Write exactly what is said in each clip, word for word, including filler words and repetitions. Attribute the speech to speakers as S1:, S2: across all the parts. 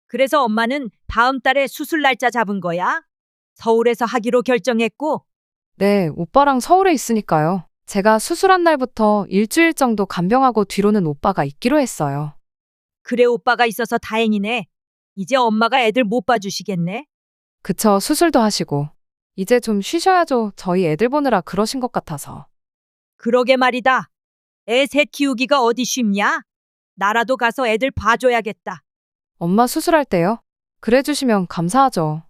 S1: 그래서 엄마는 다음 달에 수술 날짜 잡은 거야? 서울에서 하기로 결정했고,
S2: 네, 오빠랑 서울에 있으니까요. 제가 수술한 날부터 일주일 정도 간병하고 뒤로는 오빠가 있기로 했어요.
S1: 그래 오빠가 있어서 다행이네. 이제 엄마가 애들 못 봐주시겠네.
S2: 그쵸, 수술도 하시고. 이제 좀 쉬셔야죠. 저희 애들 보느라 그러신 것 같아서.
S1: 그러게 말이다. 애 셋 키우기가 어디 쉽냐? 나라도 가서 애들 봐줘야겠다.
S2: 엄마 수술할 때요? 그래 주시면 감사하죠.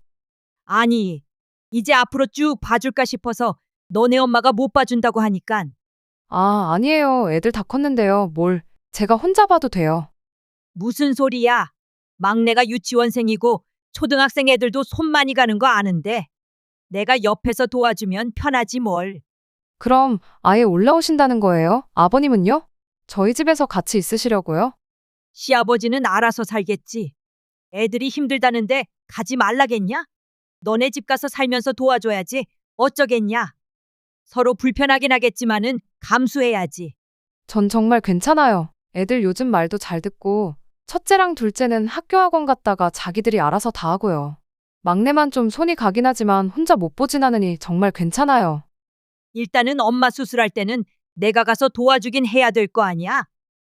S1: 아니, 이제 앞으로 쭉 봐줄까 싶어서 너네 엄마가 못 봐준다고 하니깐.
S2: 아, 아니에요. 애들 다 컸는데요. 뭘. 제가 혼자 봐도 돼요.
S1: 무슨 소리야? 막내가 유치원생이고 초등학생 애들도 손 많이 가는 거 아는데 내가 옆에서 도와주면 편하지 뭘.
S2: 그럼 아예 올라오신다는 거예요? 아버님은요? 저희 집에서 같이 있으시려고요?
S1: 시아버지는 알아서 살겠지. 애들이 힘들다는데 가지 말라겠냐? 너네 집 가서 살면서 도와줘야지. 어쩌겠냐? 서로 불편하긴 하겠지만은 감수해야지.
S2: 전 정말 괜찮아요. 애들 요즘 말도 잘 듣고, 첫째랑 둘째는 학교 학원 갔다가 자기들이 알아서 다 하고요. 막내만 좀 손이 가긴 하지만 혼자 못 보진 않으니 정말 괜찮아요.
S1: 일단은 엄마 수술할 때는 내가 가서 도와주긴 해야 될 거 아니야?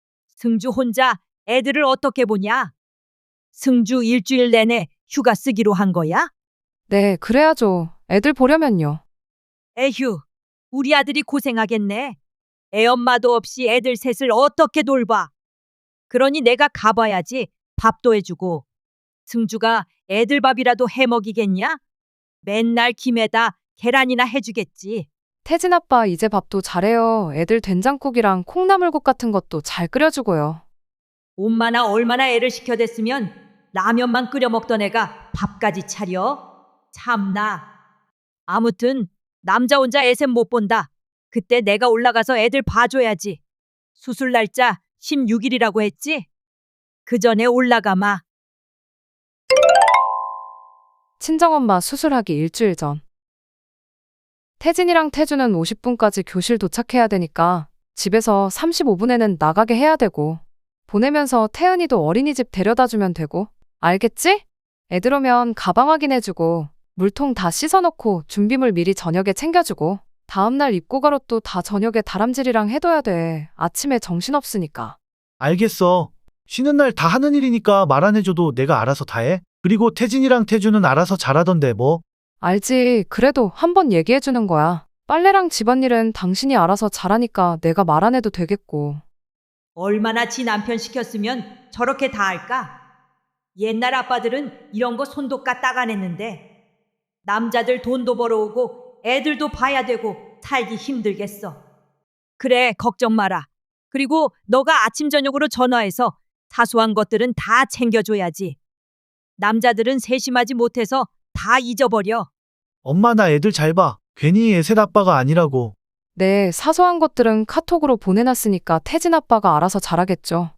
S1: 승주 혼자 애들을 어떻게 보냐? 승주 일주일 내내 휴가 쓰기로 한 거야?
S2: 네, 그래야죠. 애들 보려면요.
S1: 에휴, 우리 아들이 고생하겠네. 애 엄마도 없이 애들 셋을 어떻게 돌봐? 그러니 내가 가봐야지. 밥도 해주고. 승주가 애들 밥이라도 해 먹이겠냐? 맨날 김에다 계란이나 해주겠지.
S2: 태진 아빠 이제 밥도 잘해요. 애들 된장국이랑 콩나물국 같은 것도 잘 끓여주고요.
S1: 엄마나 얼마나 애를 시켜댔으면 라면만 끓여 먹던 애가 밥까지 차려? 참나. 아무튼 남자 혼자 애셈 못 본다. 그때 내가 올라가서 애들 봐줘야지. 수술 날짜 십육 일이라고 했지? 그 전에 올라가마.
S2: 친정엄마 수술하기 일주일 전. 태진이랑 태주는 오십 분까지 교실 도착해야 되니까 집에서 삼십오 분에는 나가게 해야 되고, 보내면서 태은이도 어린이집 데려다 주면 되고, 알겠지? 애들 오면 가방 확인해주고, 물통 다 씻어놓고 준비물 미리 저녁에 챙겨주고, 다음날 입고 갈 옷도 다 저녁에 다람질이랑 해둬야 돼. 아침에 정신없으니까.
S3: 알겠어. 쉬는 날 다 하는 일이니까 말 안 해줘도 내가 알아서 다 해. 그리고 태진이랑 태주는 알아서 잘하던데 뭐.
S2: 알지. 그래도 한번 얘기해주는 거야. 빨래랑 집안일은 당신이 알아서 잘하니까 내가 말 안 해도 되겠고.
S1: 얼마나 지 남편 시켰으면 저렇게 다 할까? 옛날 아빠들은 이런 거 손도 까딱 안 했는데 남자들 돈도 벌어오고 애들도 봐야 되고 살기 힘들겠어. 그래 걱정 마라. 그리고 너가 아침 저녁으로 전화해서 사소한 것들은 다 챙겨줘야지. 남자들은 세심하지 못해서 다 잊어버려.
S3: 엄마 나 애들 잘 봐. 괜히 애셋 아빠가 아니라고.
S2: 네, 사소한 것들은 카톡으로 보내놨으니까 태진 아빠가 알아서 잘하겠죠.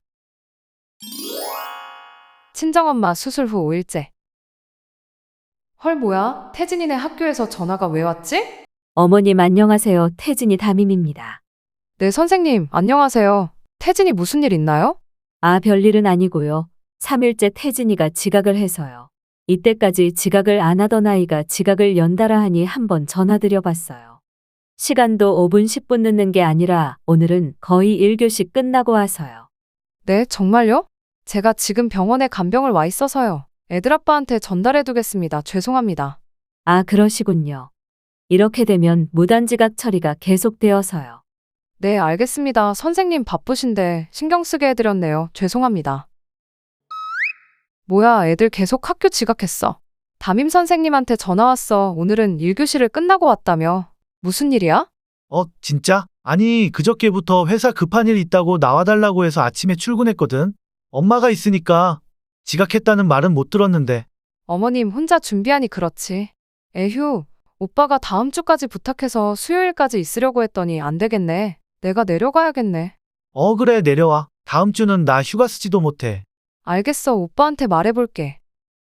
S2: 친정엄마 수술 후 오 일째. 헐 뭐야? 태진이네 학교에서 전화가 왜 왔지?
S4: 어머님 안녕하세요. 태진이 담임입니다.
S2: 네, 선생님 안녕하세요. 태진이 무슨 일 있나요?
S4: 아, 별일은 아니고요. 삼 일째 태진이가 지각을 해서요. 이때까지 지각을 안 하던 아이가 지각을 연달아 하니 한번 전화드려 봤어요. 시간도 오 분 십 분 늦는 게 아니라 오늘은 거의 일 교시 끝나고 와서요.
S2: 네, 정말요? 제가 지금 병원에 간병을 와 있어서요. 애들 아빠한테 전달해 두겠습니다. 죄송합니다.
S4: 아, 그러시군요. 이렇게 되면 무단지각 처리가 계속되어서요.
S2: 네, 알겠습니다. 선생님 바쁘신데 신경 쓰게 해드렸네요. 죄송합니다. 뭐야, 애들 계속 학교 지각했어. 담임 선생님한테 전화 왔어. 오늘은 일 교시를 끝나고 왔다며. 무슨 일이야?
S3: 어, 진짜? 아니, 그저께부터 회사 급한 일 있다고 나와달라고 해서 아침에 출근했거든. 엄마가 있으니까 지각했다는 말은 못 들었는데.
S2: 어머님 혼자 준비하니 그렇지. 에휴, 오빠가 다음 주까지 부탁해서 수요일까지 있으려고 했더니 안 되겠네. 내가 내려가야겠네.
S3: 어, 그래, 내려와. 다음 주는 나 휴가 쓰지도 못해.
S2: 알겠어, 오빠한테 말해볼게.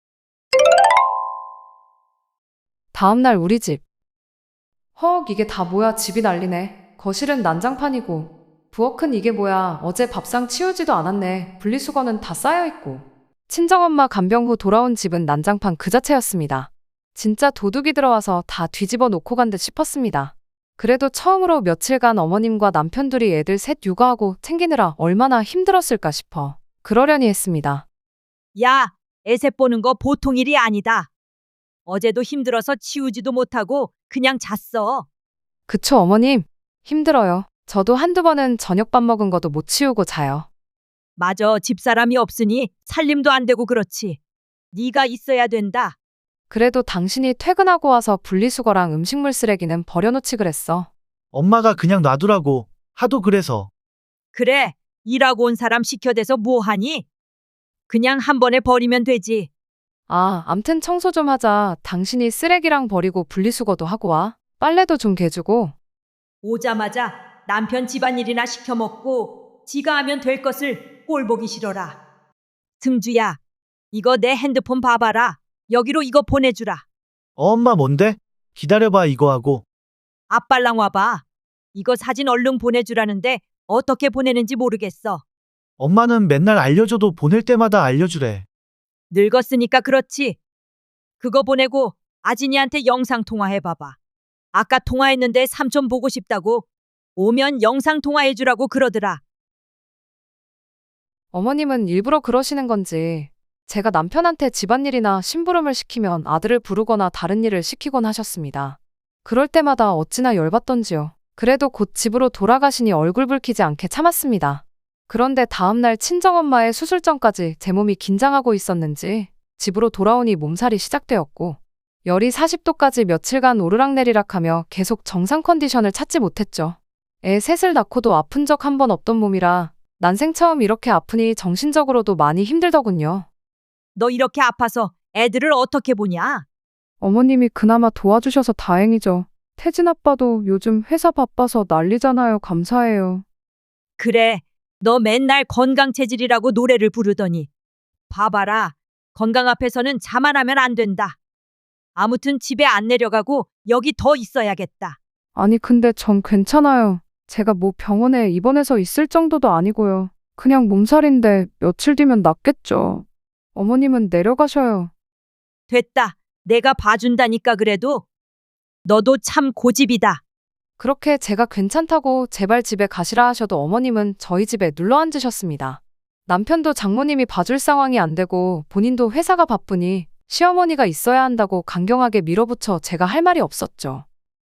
S2: 다음날 우리 집. 헉, 이게 다 뭐야. 집이 난리네. 거실은 난장판이고. 부엌은 이게 뭐야. 어제 밥상 치우지도 않았네. 분리수거는 다 쌓여있고. 친정엄마 간병 후 돌아온 집은 난장판 그 자체였습니다. 진짜 도둑이 들어와서 다 뒤집어 놓고 간 듯 싶었습니다. 그래도 처음으로 며칠간 어머님과 남편 둘이 애들 셋 육아하고 챙기느라 얼마나 힘들었을까 싶어 그러려니 했습니다.
S1: 야, 애셋 보는 거 보통 일이 아니다. 어제도 힘들어서 치우지도 못하고 그냥 잤어.
S2: 그쵸, 어머님? 힘들어요. 저도 한두 번은 저녁밥 먹은 것도 못 치우고 자요.
S1: 맞아, 집사람이 없으니 살림도 안 되고 그렇지. 네가 있어야 된다.
S2: 그래도 당신이 퇴근하고 와서 분리수거랑 음식물 쓰레기는 버려놓지 그랬어.
S3: 엄마가 그냥 놔두라고. 하도 그래서.
S1: 그래, 일하고 온 사람 시켜대서 뭐하니? 그냥 한 번에 버리면 되지.
S2: 아, 암튼 청소 좀 하자. 당신이 쓰레기랑 버리고 분리수거도 하고 와. 빨래도 좀 개주고.
S1: 오자마자 남편 집안일이나 시켜 먹고 지가 하면 될 것을 꼴 보기 싫어라. 승주야, 이거 내 핸드폰 봐봐라. 여기로 이거 보내주라.
S3: 어, 엄마 뭔데? 기다려봐 이거 하고.
S1: 아빨랑 와봐. 이거 사진 얼른 보내주라는데 어떻게 보내는지 모르겠어.
S3: 엄마는 맨날 알려줘도 보낼 때마다 알려주래.
S1: 늙었으니까 그렇지. 그거 보내고 아진이한테 영상 통화해봐봐. 아까 통화했는데 삼촌 보고 싶다고. 오면 영상 통화해주라고 그러더라.
S2: 어머님은 일부러 그러시는 건지 제가 남편한테 집안일이나 심부름을 시키면 아들을 부르거나 다른 일을 시키곤 하셨습니다. 그럴 때마다 어찌나 열받던지요. 그래도 곧 집으로 돌아가시니 얼굴 붉히지 않게 참았습니다. 그런데 다음날 친정엄마의 수술 전까지 제 몸이 긴장하고 있었는지 집으로 돌아오니 몸살이 시작되었고 열이 사십 도까지 며칠간 오르락내리락하며 계속 정상 컨디션을 찾지 못했죠. 애 셋을 낳고도 아픈 적 한 번 없던 몸이라 난생 처음 이렇게 아프니 정신적으로도 많이 힘들더군요.
S1: 너 이렇게 아파서 애들을 어떻게 보냐?
S2: 어머님이 그나마 도와주셔서 다행이죠. 태진 아빠도 요즘 회사 바빠서 난리잖아요. 감사해요.
S1: 그래, 너 맨날 건강체질이라고 노래를 부르더니. 봐봐라, 건강 앞에서는 자만하면 안 된다. 아무튼 집에 안 내려가고 여기 더 있어야겠다.
S2: 아니 근데 전 괜찮아요. 제가 뭐 병원에 입원해서 있을 정도도 아니고요. 그냥 몸살인데 며칠 뒤면 낫겠죠. 어머님은 내려가셔요.
S1: 됐다. 내가 봐준다니까 그래도. 너도 참 고집이다.
S2: 그렇게 제가 괜찮다고 제발 집에 가시라 하셔도 어머님은 저희 집에 눌러 앉으셨습니다. 남편도 장모님이 봐줄 상황이 안 되고 본인도 회사가 바쁘니 시어머니가 있어야 한다고 강경하게 밀어붙여 제가 할 말이 없었죠.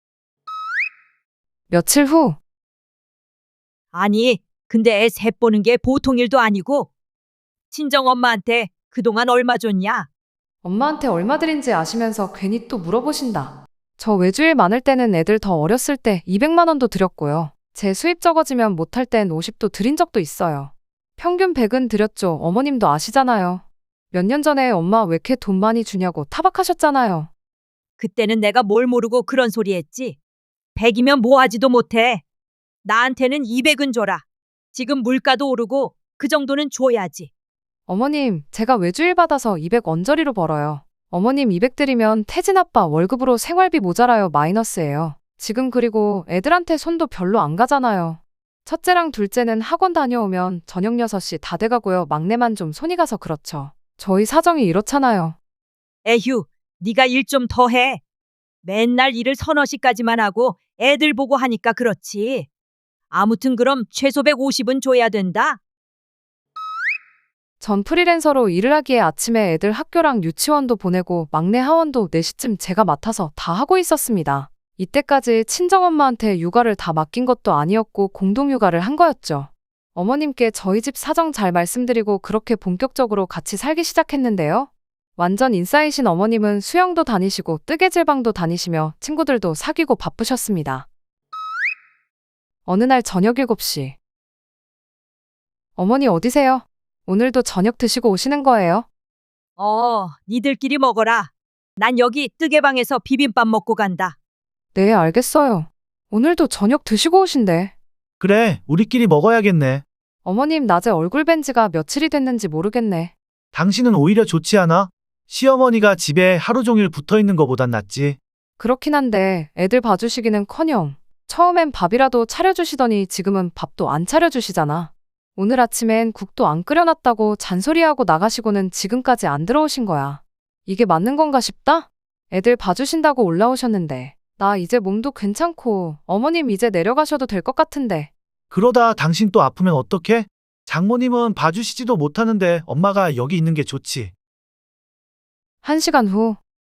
S2: 며칠 후
S1: 아니, 근데 애 셋 보는 게 보통 일도 아니고. 친정엄마한테 그동안 얼마 줬냐?
S2: 엄마한테 얼마 드린지 아시면서 괜히 또 물어보신다. 저 외주일 많을 때는 애들 더 어렸을 때 이백만 원도 드렸고요. 제 수입 적어지면 못할 땐 오십도 드린 적도 있어요. 평균 백은 드렸죠. 어머님도 아시잖아요. 몇 년 전에 엄마 왜 이렇게 돈 많이 주냐고 타박하셨잖아요.
S1: 그때는 내가 뭘 모르고 그런 소리 했지. 백이면 뭐 하지도 못해. 나한테는 이백은 줘라. 지금 물가도 오르고 그 정도는 줘야지.
S2: 어머님, 제가 외주일 받아서 이백 언저리로 벌어요. 어머님 이백 드리면 태진 아빠 월급으로 생활비 모자라요. 마이너스예요. 지금 그리고 애들한테 손도 별로 안 가잖아요. 첫째랑 둘째는 학원 다녀오면 저녁 여섯 시 다 돼가고요. 막내만 좀 손이 가서 그렇죠. 저희 사정이 이렇잖아요.
S1: 에휴, 네가 일 좀 더 해. 맨날 일을 서너 시까지만 하고 애들 보고 하니까 그렇지. 아무튼 그럼 최소 백오십은 줘야 된다.
S2: 전 프리랜서로 일을 하기에 아침에 애들 학교랑 유치원도 보내고 막내 하원도 네 시쯤 제가 맡아서 다 하고 있었습니다. 이때까지 친정엄마한테 육아를 다 맡긴 것도 아니었고 공동육아를 한 거였죠. 어머님께 저희 집 사정 잘 말씀드리고 그렇게 본격적으로 같이 살기 시작했는데요. 완전 인싸이신 어머님은 수영도 다니시고 뜨개질방도 다니시며 친구들도 사귀고 바쁘셨습니다. 어느 날 저녁 일곱 시. 어머니 어디세요? 오늘도 저녁 드시고 오시는 거예요?
S1: 어, 니들끼리 먹어라. 난 여기 뜨개방에서 비빔밥 먹고 간다.
S2: 네, 알겠어요. 오늘도 저녁 드시고 오신대.
S3: 그래, 우리끼리 먹어야겠네.
S2: 어머님 낮에 얼굴 뵌 지가 며칠이 됐는지 모르겠네.
S3: 당신은 오히려 좋지 않아? 시어머니가 집에 하루 종일 붙어 있는 거보단 낫지.
S2: 그렇긴 한데 애들 봐주시기는커녕 처음엔 밥이라도 차려주시더니 지금은 밥도 안 차려주시잖아. 오늘 아침엔 국도 안 끓여놨다고 잔소리하고 나가시고는 지금까지 안 들어오신 거야. 이게 맞는 건가 싶다? 애들 봐주신다고 올라오셨는데 나 이제 몸도 괜찮고 어머님 이제 내려가셔도 될 것 같은데.
S3: 그러다 당신 또 아프면 어떡해? 장모님은 봐주시지도 못하는데 엄마가 여기 있는 게 좋지.
S2: 한 시간 후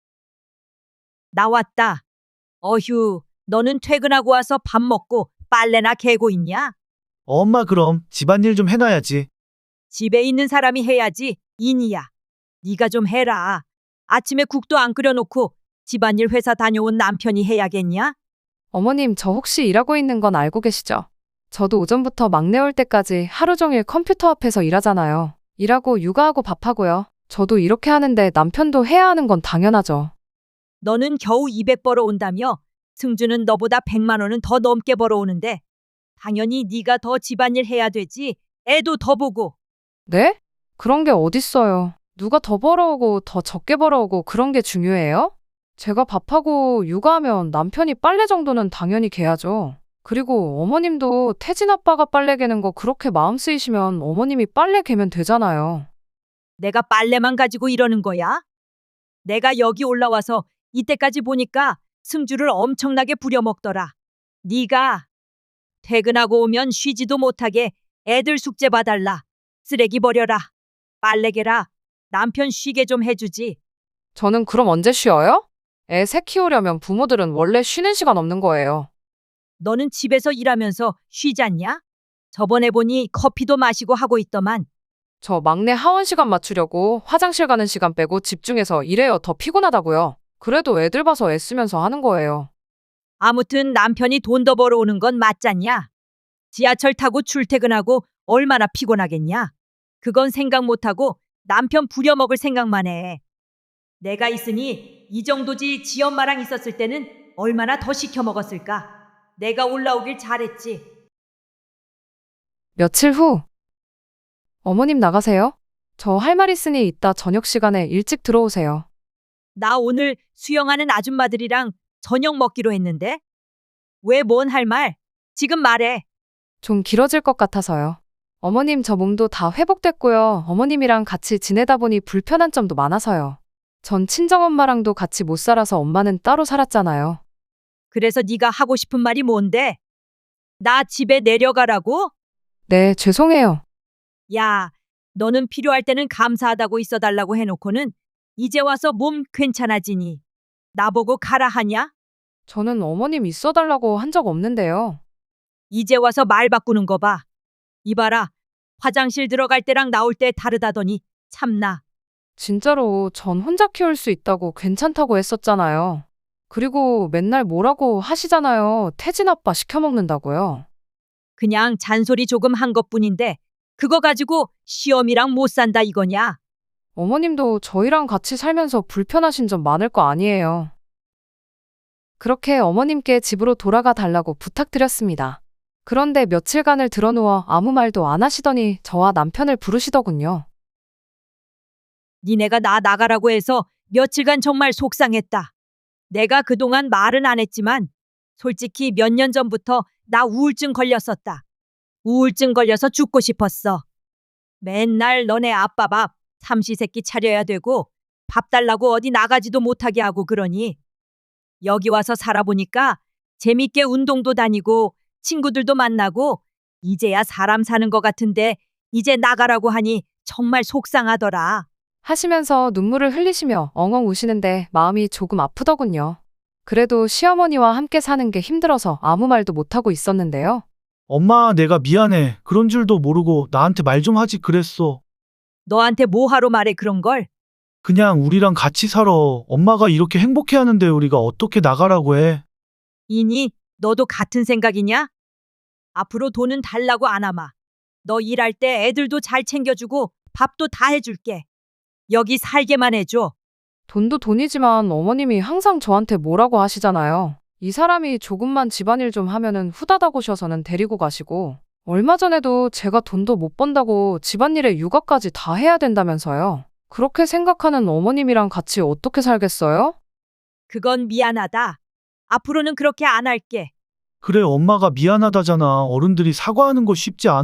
S1: 나왔다. 어휴, 너는 퇴근하고 와서 밥 먹고 빨래나 개고 있냐?
S3: 엄마 그럼 집안일 좀 해놔야지.
S1: 집에 있는 사람이 해야지, 인이야. 네가 좀 해라. 아침에 국도 안 끓여놓고 집안일 회사 다녀온 남편이 해야겠냐?
S2: 어머님 저 혹시 일하고 있는 건 알고 계시죠? 저도 오전부터 막내 올 때까지 하루 종일 컴퓨터 앞에서 일하잖아요. 일하고 육아하고 밥하고요. 저도 이렇게 하는데 남편도 해야 하는 건 당연하죠.
S1: 너는 겨우 이백 벌어 온다며 승주는 너보다 백만 원은 더 넘게 벌어오는데 당연히 네가 더 집안일 해야 되지. 애도 더 보고.
S2: 네? 그런 게 어딨어요. 누가 더 벌어오고 더 적게 벌어오고 그런 게 중요해요? 제가 밥하고 육아하면 남편이 빨래 정도는 당연히 개야죠. 그리고 어머님도 태진 아빠가 빨래 개는 거 그렇게 마음 쓰이시면 어머님이 빨래 개면 되잖아요.
S1: 내가 빨래만 가지고 이러는 거야? 내가 여기 올라와서 이때까지 보니까 승주를 엄청나게 부려먹더라. 네가 퇴근하고 오면 쉬지도 못하게 애들 숙제 봐달라. 쓰레기 버려라. 빨래 개라. 남편 쉬게 좀 해주지.
S2: 저는 그럼 언제 쉬어요? 애 새 키우려면 부모들은 원래 쉬는 시간 없는 거예요.
S1: 너는 집에서 일하면서 쉬지 않냐? 저번에 보니 커피도 마시고 하고 있더만.
S2: 저 막내 하원 시간 맞추려고 화장실 가는 시간 빼고 집중해서 일해요. 더 피곤하다고요. 그래도 애들 봐서 애쓰면서 하는 거예요.
S1: 아무튼 남편이 돈 더 벌어오는 건 맞잖냐? 지하철 타고 출퇴근하고 얼마나 피곤하겠냐? 그건 생각 못하고 남편 부려먹을 생각만 해. 내가 있으니 이 정도지 지 엄마랑 있었을 때는 얼마나 더 시켜 먹었을까? 내가 올라오길 잘했지.
S2: 며칠 후 어머님 나가세요. 저 할 말 있으니 이따 저녁 시간에 일찍 들어오세요.
S1: 나 오늘 수영하는 아줌마들이랑 저녁 먹기로 했는데? 왜 뭔 할 말? 지금 말해.
S2: 좀 길어질 것 같아서요. 어머님 저 몸도 다 회복됐고요. 어머님이랑 같이 지내다 보니 불편한 점도 많아서요. 전 친정엄마랑도 같이 못 살아서 엄마는 따로 살았잖아요.
S1: 그래서 네가 하고 싶은 말이 뭔데? 나 집에 내려가라고?
S2: 네, 죄송해요.
S1: 야, 너는 필요할 때는 감사하다고 있어달라고 해놓고는 이제 와서 몸 괜찮아지니 나보고 가라 하냐?
S2: 저는 어머님 있어달라고 한 적 없는데요.
S1: 이제 와서 말 바꾸는 거 봐. 이봐라, 화장실 들어갈 때랑 나올 때 다르다더니 참나.
S2: 진짜로 전 혼자 키울 수 있다고 괜찮다고 했었잖아요. 그리고 맨날 뭐라고 하시잖아요. 태진 아빠 시켜먹는다고요.
S1: 그냥 잔소리 조금 한 것뿐인데 그거 가지고 시험이랑 못 산다 이거냐?
S2: 어머님도 저희랑 같이 살면서 불편하신 점 많을 거 아니에요. 그렇게 어머님께 집으로 돌아가 달라고 부탁드렸습니다. 그런데 며칠간을 드러누워 아무 말도 안 하시더니 저와 남편을 부르시더군요.
S1: 니네가 나 나가라고 해서 며칠간 정말 속상했다. 내가 그동안 말은 안 했지만 솔직히 몇 년 전부터 나 우울증 걸렸었다. 우울증 걸려서 죽고 싶었어. 맨날 너네 아빠 밥 삼시세끼 차려야 되고 밥 달라고 어디 나가지도 못하게 하고 그러니 여기 와서 살아보니까 재밌게 운동도 다니고 친구들도 만나고 이제야 사람 사는 것 같은데 이제 나가라고 하니 정말 속상하더라.
S2: 하시면서 눈물을 흘리시며 엉엉 우시는데 마음이 조금 아프더군요. 그래도 시어머니와 함께 사는 게 힘들어서 아무 말도 못하고 있었는데요.
S3: 엄마, 내가 미안해. 그런 줄도 모르고 나한테 말 좀 하지 그랬어.
S1: 너한테 뭐하러 말해 그런 걸?
S3: 그냥 우리랑 같이 살아. 엄마가 이렇게 행복해 하는데 우리가 어떻게 나가라고 해.
S1: 이니 너도 같은 생각이냐? 앞으로 돈은 달라고 안 하마. 너 일할 때 애들도 잘 챙겨주고 밥도 다 해줄게. 여기 살게만 해줘.
S2: 돈도 돈이지만 어머님이 항상 저한테 뭐라고 하시잖아요. 이 사람이 조금만 집안일 좀 하면은 후다닥 오셔서는 데리고 가시고 얼마 전에도 제가 돈도 못 번다고 집안일에 육아까지 다 해야 된다면서요. 그렇게 생각하는 어머님이랑 같이 어떻게 살겠어요?
S1: 그건 미안하다. 앞으로는 그렇게 안 할게.
S3: 그래, 엄마가 미안하다잖아. 어른들이 사과하는 거 쉽지 않아.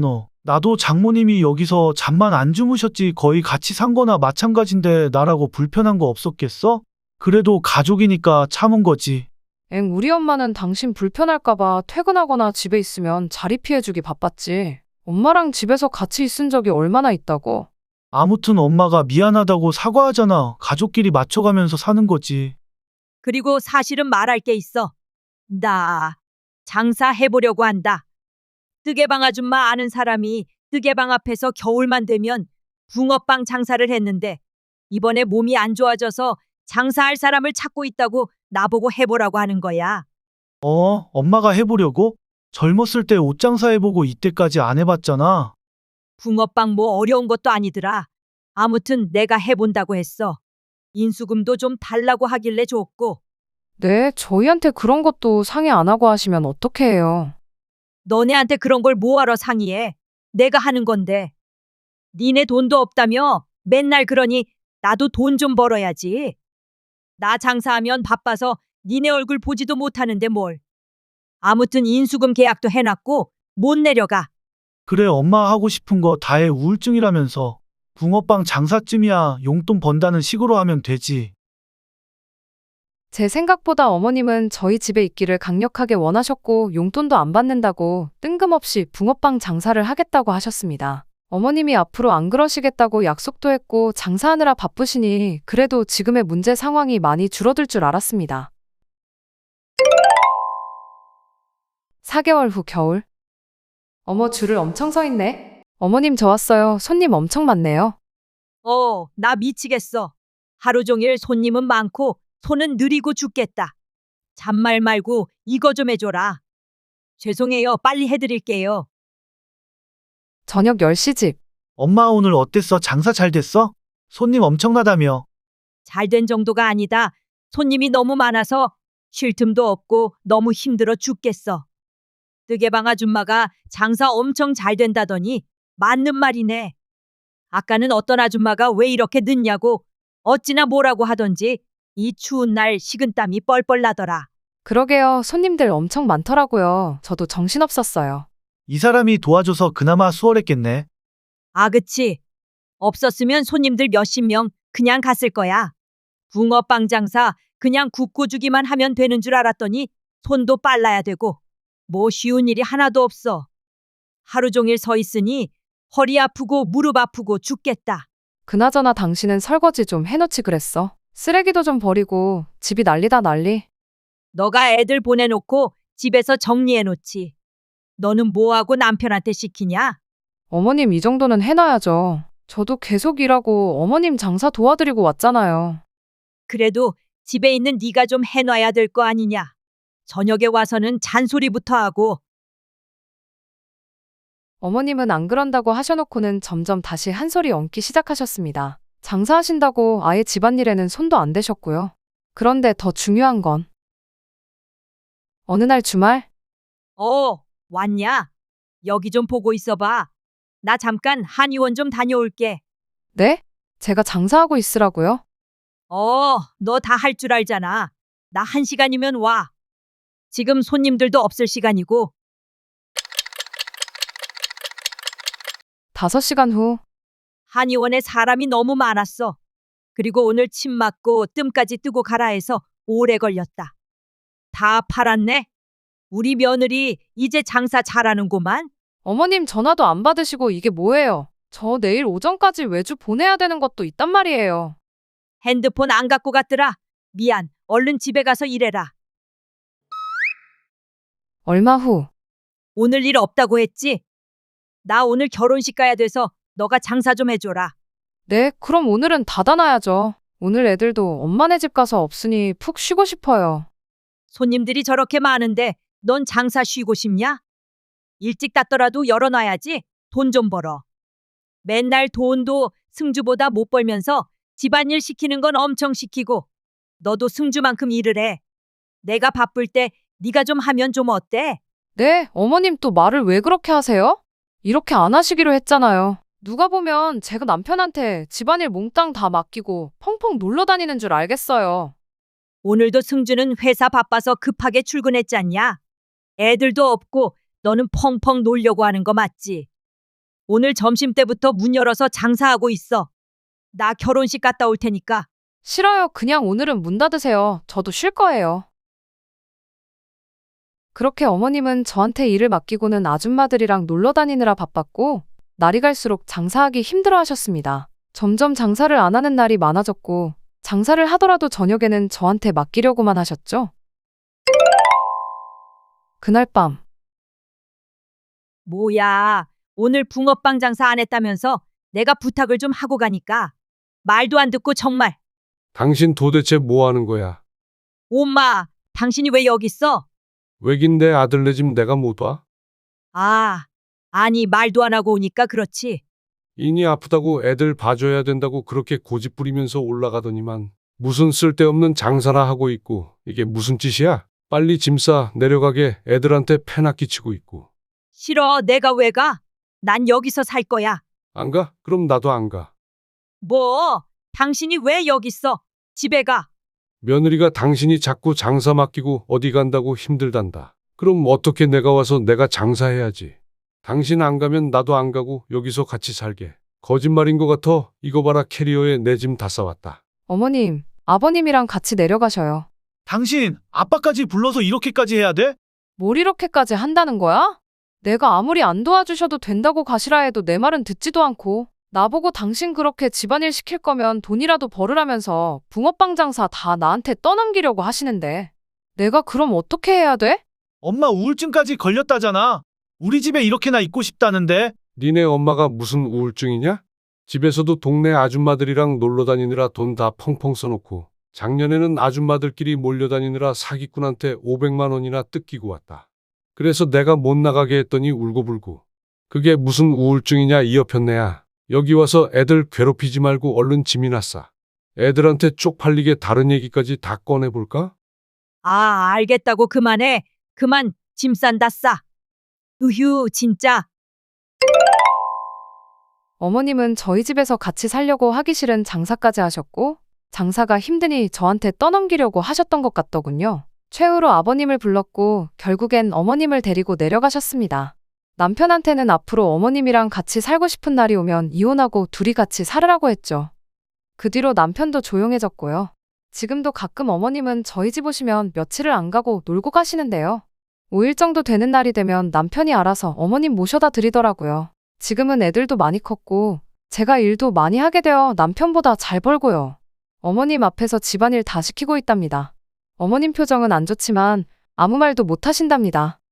S3: 나도 장모님이 여기서 잠만 안 주무셨지 거의 같이 산 거나 마찬가지인데 나라고 불편한 거 없었겠어? 그래도 가족이니까 참은 거지.
S2: 엥, 우리 엄마는 당신 불편할까봐 퇴근하거나 집에 있으면 자리 피해주기 바빴지. 엄마랑 집에서 같이 있은 적이 얼마나 있다고.
S3: 아무튼 엄마가 미안하다고 사과하잖아. 가족끼리 맞춰가면서 사는 거지.
S1: 그리고 사실은 말할 게 있어. 나 장사해보려고 한다. 뜨개방 아줌마 아는 사람이 뜨개방 앞에서 겨울만 되면 붕어빵 장사를 했는데 이번에 몸이 안 좋아져서 장사할 사람을 찾고 있다고 나보고 해보라고 하는 거야.
S3: 어, 엄마가 해보려고? 젊었을 때 옷 장사해보고 이때까지 안 해봤잖아.
S1: 붕어빵 뭐 어려운 것도 아니더라. 아무튼 내가 해본다고 했어. 인수금도 좀 달라고 하길래 줬고.
S2: 네, 저희한테 그런 것도 상의 안 하고 하시면 어떻게 해요?
S1: 너네한테 그런 걸 뭐하러 상의해? 내가 하는 건데. 니네 돈도 없다며 맨날 그러니 나도 돈 좀 벌어야지. 나 장사하면 바빠서 니네 얼굴 보지도 못하는데 뭘. 아무튼 인수금 계약도 해놨고 못 내려가.
S3: 그래, 엄마 하고 싶은 거 다 해. 우울증이라면서. 붕어빵 장사쯤이야 용돈 번다는 식으로 하면 되지.
S2: 제 생각보다 어머님은 저희 집에 있기를 강력하게 원하셨고 용돈도 안 받는다고 뜬금없이 붕어빵 장사를 하겠다고 하셨습니다. 어머님이 앞으로 안 그러시겠다고 약속도 했고 장사하느라 바쁘시니 그래도 지금의 문제 상황이 많이 줄어들 줄 알았습니다. 사 개월 후 겨울. 어머, 줄을 엄청 서 있네. 어머님, 저 왔어요. 손님 엄청 많네요.
S1: 어, 나 미치겠어. 하루 종일 손님은 많고 손은 느리고 죽겠다. 잔말 말고 이거 좀 해줘라. 죄송해요. 빨리 해드릴게요.
S2: 저녁 열 시 집.
S3: 엄마 오늘 어땠어? 장사 잘 됐어? 손님 엄청나다며.
S1: 잘된 정도가 아니다. 손님이 너무 많아서 쉴 틈도 없고 너무 힘들어 죽겠어. 뜨개방 아줌마가 장사 엄청 잘 된다더니 맞는 말이네. 아까는 어떤 아줌마가 왜 이렇게 늦냐고 어찌나 뭐라고 하던지 이 추운 날 식은땀이 뻘뻘 나더라.
S2: 그러게요. 손님들 엄청 많더라고요. 저도 정신없었어요.
S3: 이 사람이 도와줘서 그나마 수월했겠네.
S1: 아, 그치. 없었으면 손님들 몇십 명 그냥 갔을 거야. 붕어빵 장사 그냥 굽고 주기만 하면 되는 줄 알았더니 손도 빨라야 되고 뭐 쉬운 일이 하나도 없어. 하루 종일 서 있으니 허리 아프고 무릎 아프고 죽겠다.
S2: 그나저나 당신은 설거지 좀 해놓지 그랬어. 쓰레기도 좀 버리고 집이 난리다 난리.
S1: 너가 애들 보내놓고 집에서 정리해놓지. 너는 뭐하고 남편한테 시키냐?
S2: 어머님, 이 정도는 해놔야죠. 저도 계속 일하고 어머님 장사 도와드리고 왔잖아요.
S1: 그래도 집에 있는 네가 좀 해놔야 될 거 아니냐. 저녁에 와서는 잔소리부터 하고.
S2: 어머님은 안 그런다고 하셔놓고는 점점 다시 한 소리 얹기 시작하셨습니다. 장사하신다고 아예 집안일에는 손도 안 대셨고요. 그런데 더 중요한 건 어느 날 주말.
S1: 어, 왔냐? 여기 좀 보고 있어봐. 나 잠깐 한의원 좀 다녀올게.
S2: 네? 제가 장사하고 있으라고요?
S1: 어, 너 다 할 줄 알잖아. 나 한 시간이면 와. 지금 손님들도 없을 시간이고.
S2: 다섯 시간 후.
S1: 한의원에 사람이 너무 많았어. 그리고 오늘 침 맞고 뜸까지 뜨고 가라 해서 오래 걸렸다. 다 팔았네? 우리 며느리 이제 장사 잘하는구만.
S2: 어머님 전화도 안 받으시고 이게 뭐예요? 저 내일 오전까지 외주 보내야 되는 것도 있단 말이에요.
S1: 핸드폰 안 갖고 갔더라. 미안. 얼른 집에 가서 일해라.
S2: 얼마 후.
S1: 오늘 일 없다고 했지? 나 오늘 결혼식 가야 돼서 너가 장사 좀 해줘라.
S2: 네, 그럼 오늘은 닫아놔야죠. 오늘 애들도 엄마네 집 가서 없으니 푹 쉬고 싶어요.
S1: 손님들이 저렇게 많은데 넌 장사 쉬고 싶냐? 일찍 닫더라도 열어놔야지. 돈 좀 벌어. 맨날 돈도 승주보다 못 벌면서 집안일 시키는 건 엄청 시키고 너도 승주만큼 일을 해. 내가 바쁠 때 네가 좀 하면 좀 어때?
S2: 네, 어머님 또 말을 왜 그렇게 하세요? 이렇게 안 하시기로 했잖아요. 누가 보면 제가 남편한테 집안일 몽땅 다 맡기고 펑펑 놀러 다니는 줄 알겠어요.
S1: 오늘도 승주는 회사 바빠서 급하게 출근했잖냐? 애들도 없고 너는 펑펑 놀려고 하는 거 맞지? 오늘 점심 때부터 문 열어서 장사하고 있어. 나 결혼식 갔다 올 테니까.
S2: 싫어요. 그냥 오늘은 문 닫으세요. 저도 쉴 거예요. 그렇게 어머님은 저한테 일을 맡기고는 아줌마들이랑 놀러 다니느라 바빴고, 날이 갈수록 장사하기 힘들어 하셨습니다. 점점 장사를 안 하는 날이 많아졌고, 장사를 하더라도 저녁에는 저한테 맡기려고만 하셨죠. 그날 밤,
S1: 뭐야, 오늘 붕어빵 장사 안 했다면서 내가 부탁을 좀 하고 가니까 말도 안 듣고 정말.
S5: 당신 도대체 뭐 하는 거야?
S1: 엄마, 당신이 왜 여기 있어?
S5: 왜긴 내 아들네 집 내가 못 와?
S1: 아, 아니 말도 안 하고 오니까 그렇지.
S5: 인이 아프다고 애들 봐줘야 된다고 그렇게 고집 부리면서 올라가더니만 무슨 쓸데없는 장사나 하고 있고 이게 무슨 짓이야? 빨리 짐 싸 내려가게 애들한테 패나 끼치고 있고.
S1: 싫어, 내가 왜 가? 난 여기서 살 거야.
S5: 안 가? 그럼 나도 안 가.
S1: 뭐? 당신이 왜 여기 있어? 집에 가.
S5: 며느리가 당신이 자꾸 장사 맡기고 어디 간다고 힘들단다. 그럼 어떻게 내가 와서 내가 장사해야지. 당신 안 가면 나도 안 가고 여기서 같이 살게. 거짓말인 것 같아. 이거 봐라, 캐리어에 내 짐 다 싸왔다.
S2: 어머님, 아버님이랑 같이 내려가셔요.
S3: 당신 아빠까지 불러서 이렇게까지 해야 돼?
S2: 뭘 이렇게까지 한다는 거야? 내가 아무리 안 도와주셔도 된다고 가시라 해도 내 말은 듣지도 않고, 나보고 당신 그렇게 집안일 시킬 거면 돈이라도 벌으라면서 붕어빵 장사 다 나한테 떠넘기려고 하시는데, 내가 그럼 어떻게 해야 돼?
S3: 엄마 우울증까지 걸렸다잖아. 우리 집에 이렇게나 있고 싶다는데.
S5: 니네 엄마가 무슨 우울증이냐? 집에서도 동네 아줌마들이랑 놀러 다니느라 돈 다 펑펑 써놓고 작년에는 아줌마들끼리 몰려다니느라 사기꾼한테 오백만 원이나 뜯기고 왔다. 그래서 내가 못 나가게 했더니 울고불고. 그게 무슨 우울증이냐 이 여편네야. 여기 와서 애들 괴롭히지 말고 얼른 짐이나 싸. 애들한테 쪽팔리게 다른 얘기까지 다 꺼내볼까?
S1: 아, 알겠다고 그만해. 그만 짐 싼다 싸. 으휴, 진짜.
S2: 어머님은 저희 집에서 같이 살려고 하기 싫은 장사까지 하셨고, 장사가 힘드니 저한테 떠넘기려고 하셨던 것 같더군요. 최후로 아버님을 불렀고 결국엔 어머님을 데리고 내려가셨습니다. 남편한테는 앞으로 어머님이랑 같이 살고 싶은 날이 오면 이혼하고 둘이 같이 살으라고 했죠. 그 뒤로 남편도 조용해졌고요. 지금도 가끔 어머님은 저희 집 오시면 며칠을 안 가고 놀고 가시는데요. 오 일 정도 되는 날이 되면 남편이 알아서 어머님 모셔다 드리더라고요. 지금은 애들도 많이 컸고 제가 일도 많이 하게 되어 남편보다 잘 벌고요. 어머님 앞에서 집안일 다 시키고 있답니다. 어머님 표정은 안 좋지만 아무 말도 못 하신답니다.